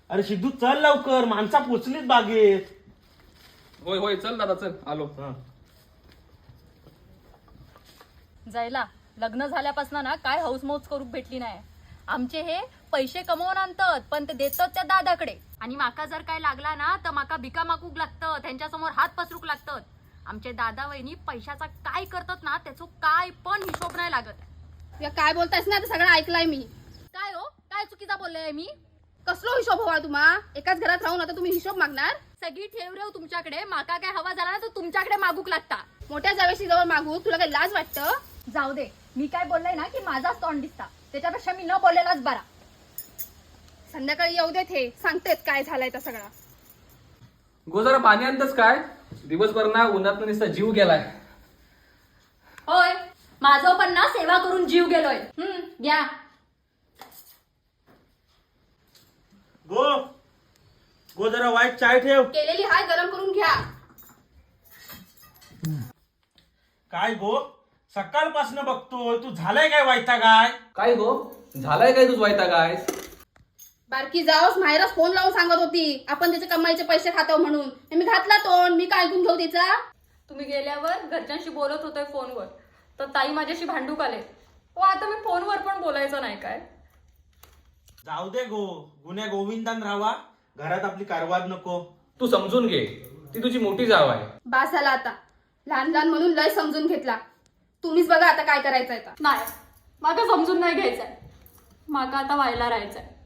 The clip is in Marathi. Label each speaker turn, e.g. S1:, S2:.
S1: अरे सिद्धू चल लवकर, माणसा पोचलीत बागेत.
S2: होय होय चल दादा चल आलो.
S3: जायला लग्न झाल्यापासून ना काय हौसमौज करू भेटली नाही. आमचे हे पैसे कमवून आणतात पण ते देतात त्या दादाकडे, आणि माका जर काय लागला ना तर माका भिका मागूक लागतं, त्यांच्यासमोर हात पसरूक लागतात. आमचे दादा वहिनी पैशाचा काय करतात ना त्याचं काय पण हिशोब नाही लागत.
S4: या काय बोलतायस ना, सगळं ऐकलंय मी.
S3: काय हो, काय चुकीचा बोलले मी?
S4: कसलो हिशोब हवा तुम्हा? एकाच घरात राहून आता तुम्ही हिशोब मागणार?
S3: सगळी ठेव रेव तुमच्याकडे, माका काय हवा झाला ना तर तुमच्याकडे मागूक लागता.
S4: मोठ्या जावेशी जवळ मागू तुला काही लाज वाटतं?
S3: जाऊ दे, मी काय बोलले ना की माझाच तोंड दिसता, त्याच्यापेक्षा मी न बोललेलाच बरा.
S4: संध्याकाळी येऊ देत, हे सांगतेच काय झालंय तर सगळा.
S2: गो जरा पाणी आणतच काय? दिवसभर ना उन्हात नुसता जीव गेलाय.
S3: होय, माझं पण ना सेवा करून जीव गेलोय. घ्या.
S1: गो गो जरा वाईट चाय ठेव.
S4: केलेली हाय गरम करून घ्या.
S1: काय गो सकाळपासून बघतोय तू, झालाय काय वायता काय?
S2: काय गो झालाय काय तुझ वायता काय?
S4: बारकी जाऊस माहेरच फोन लावून सांगत होती आपण त्याचे कमाईचे पैसे खातो म्हणून. मी घातला तोंड, मी काय ऐकून घेऊ तिचा?
S3: तुम्ही गेल्यावर घरच्यांशी बोलत होते फोनवर, तर ताई माझ्याशी भांडूक आले. हो, आता मी फोनवर पण बोलायचं नाही काय?
S1: जाऊ दे गो, गुन्ह्या गोविंदान राहावा, घरात आपली कारवार नको.
S2: तू समजून घे, ती तुझी मोठी जाव आहे.
S4: बास झाला आता, लहान लहान म्हणून लय समजून घेतला. तुम्हीच बघा आता काय करायचंय.
S3: नाही, माका समजून नाही घ्यायचंय, माका आता व्हायला राहायचंय.